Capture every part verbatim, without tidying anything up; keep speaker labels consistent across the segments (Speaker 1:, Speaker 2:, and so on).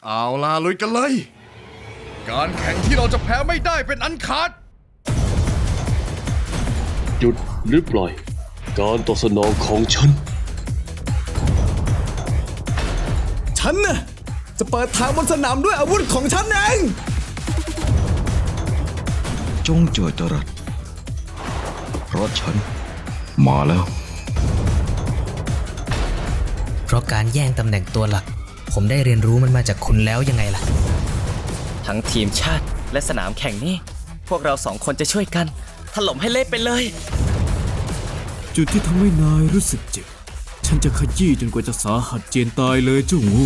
Speaker 1: เอาล่ะลุยกันเลยการแข่งที่เราจะแพ้ไม่ได้เป็นอันขาด
Speaker 2: หยุดหรือปล่อยการตอบสนองของฉัน
Speaker 3: ฉันน่ะจะเปิดทางบนสนามด้วยอาวุธของฉันเอง
Speaker 4: จงเจอจรัสเพราะฉันมาแล้ว
Speaker 5: เพราะการแย่งตำแหน่งตัวหลักผมได้เรียนรู้มันมาจากคุณแล้วยังไงล่ะ
Speaker 6: ทั้งทีมชาติและสนามแข่งนี้พวกเราสองคนจะช่วยกันถล่มให้เละไปเลย
Speaker 3: จุดที่ทำให้นายรู้สึกเจ็บฉันจะขยี้จนกว่าจะสาหัสเจียนตายเลยเจ้างู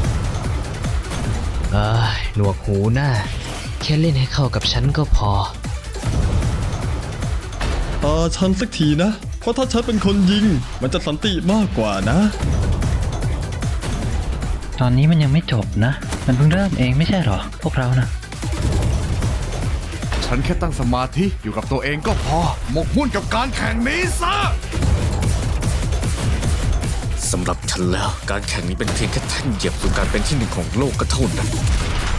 Speaker 5: เอ้ยหนวกหูหน้าแค่เล่นให้เข้ากับฉันก็พอ
Speaker 7: ตาฉันสักทีนะเพราะถ้าฉันเป็นคนยิงมันจะสันติมากกว่านะ
Speaker 8: ตอนนี้มันยังไม่จบนะมันเพิ่งเริ่มเองไม่ใช่หรอพวกเรานะ
Speaker 1: ฉันแค่ตั้งสมาธิอยู่กับตัวเองก็พอหมกมุ่นกับการแข่งนี้ซะ
Speaker 9: สำหรับฉันแล้วการแข่งนี้เป็นเพียงแค่แท่นเหยียบสู่การเป็นที่หนึ่งของโลกก็เท่านั้น